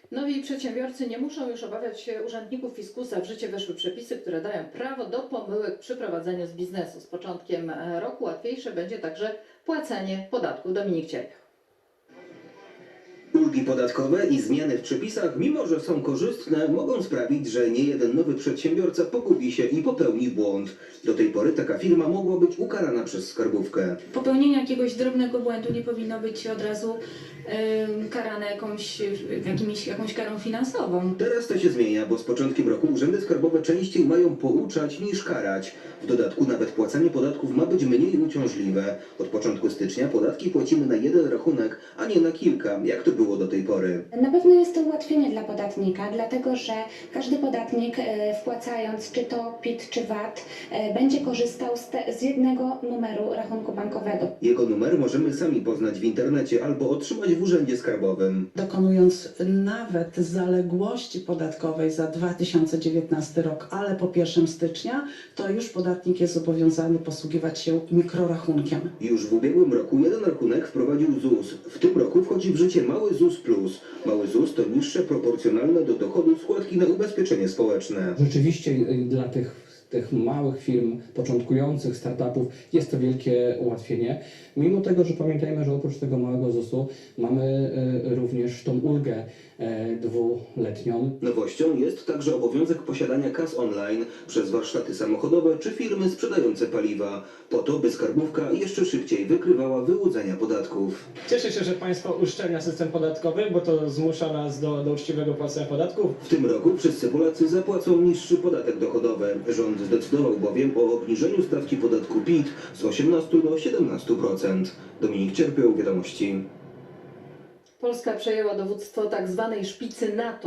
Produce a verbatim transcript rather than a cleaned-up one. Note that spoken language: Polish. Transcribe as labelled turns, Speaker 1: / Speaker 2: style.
Speaker 1: Nowi przedsiębiorcy nie muszą już obawiać się urzędników fiskusa. W życie weszły przepisy, które dają prawo do pomyłek przy prowadzeniu z biznesu. Z początkiem roku łatwiejsze będzie także płacenie podatków. Dominik Cierpiał.
Speaker 2: Ulgi podatkowe i zmiany w przepisach, mimo że są korzystne, mogą sprawić, że niejeden nowy przedsiębiorca pogubi się i popełni błąd. Do tej pory taka firma mogła być ukarana przez skarbówkę.
Speaker 3: Popełnienie jakiegoś drobnego błędu nie powinno być od razu y, karane jakąś, jakimiś, jakąś karą finansową.
Speaker 2: Teraz to się zmienia, bo z początkiem roku urzędy skarbowe częściej mają pouczać niż karać. W dodatku nawet płacenie podatków ma być mniej uciążliwe. Od początku stycznia podatki płacimy na jeden rachunek, a nie na kilka, jak to było do tej pory.
Speaker 4: Na pewno jest to ułatwienie dla podatnika, dlatego że każdy podatnik e, wpłacając czy to P I T czy V A T e, będzie korzystał z, te, z jednego numeru rachunku bankowego.
Speaker 2: Jego numer możemy sami poznać w internecie albo otrzymać w urzędzie skarbowym.
Speaker 5: Dokonując nawet zaległości podatkowej za dwa tysiące dziewiętnasty rok, ale po pierwszego stycznia, to już podatnik jest zobowiązany posługiwać się mikrorachunkiem.
Speaker 2: Już w ubiegłym roku jeden rachunek wprowadził ZUS. W tym roku wchodzi w życie mały ZUS plus. Mały ZUS to niższe proporcjonalne do dochodu składki na ubezpieczenie społeczne.
Speaker 6: Rzeczywiście dla tych, tych małych firm, początkujących startupów jest to wielkie ułatwienie. Mimo tego, że pamiętajmy, że oprócz tego małego zusu mamy y, również tą ulgę y, dwuletnią.
Speaker 2: Nowością jest także obowiązek posiadania kas online przez warsztaty samochodowe czy firmy sprzedające paliwa, po to, by skarbówka jeszcze szybciej wykrywała wyłudzenia podatków.
Speaker 7: Cieszę się, że państwo uszczelnia system podatkowy, bo to zmusza nas do, do uczciwego płacenia podatków.
Speaker 2: W tym roku wszyscy Polacy zapłacą niższy podatek dochodowy. Rząd zdecydował bowiem o obniżeniu stawki podatku P I T z osiemnastu do siedemnastu procent. Dominik Cierpiał, Wiadomości.
Speaker 1: Polska przejęła dowództwo tak zwanej szpicy NATO.